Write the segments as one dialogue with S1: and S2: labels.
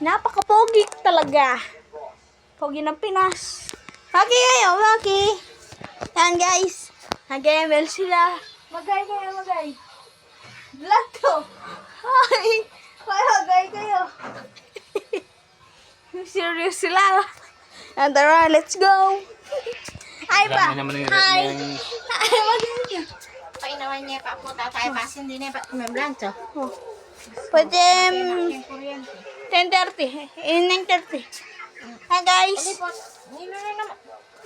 S1: Napaka-pogi talaga. Pogi ng Pinas. Maki kayo, Maki. Yan guys. Nag-ML sila. Magay kayo, magay. Vlog to. Hi. Magay kayo. Serious sila. And tara, let's go. Hi pa. Hi. Hi, magay kayo.
S2: Painawan niya pa po tayo pasin din pa membrancho.
S1: Pwede 10:30. 9:30. Hi guys.
S2: Nilo na naman.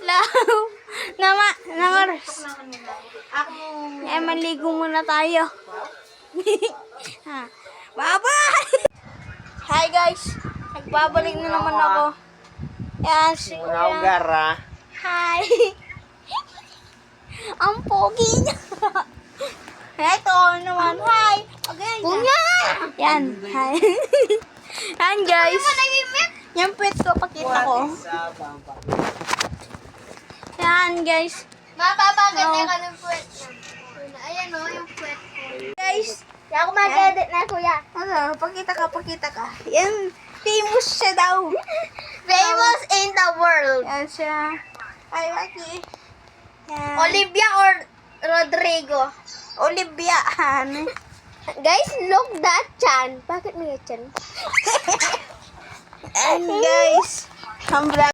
S1: Nang oras.
S2: Ako.
S1: Maligo muna tayo. Bye-bye! Hi guys. Nagbabalik na naman ako. Yan, si Kuya. Hi. Ang pogi niya. Ito naman. Hi. Okay. Kuya! Yan. Hi. Yan guys. Yan pwet ko. Pakita ko. Yan guys.
S2: Mapapaganda ka ng puwet niya. Ayan o, yung puwet ko.
S1: Guys.
S2: Kaya ako mag-edit na, kuya.
S1: Ano? Pakita ka. Yan. Famous siya daw.
S2: Famous in the world.
S1: Yan siya. Ay, Maki. Yan.
S2: Olivia or Rodrigo?
S1: Olivia.
S2: Guys, look that chan. Bakit may chan?
S1: And guys. Ang vlog.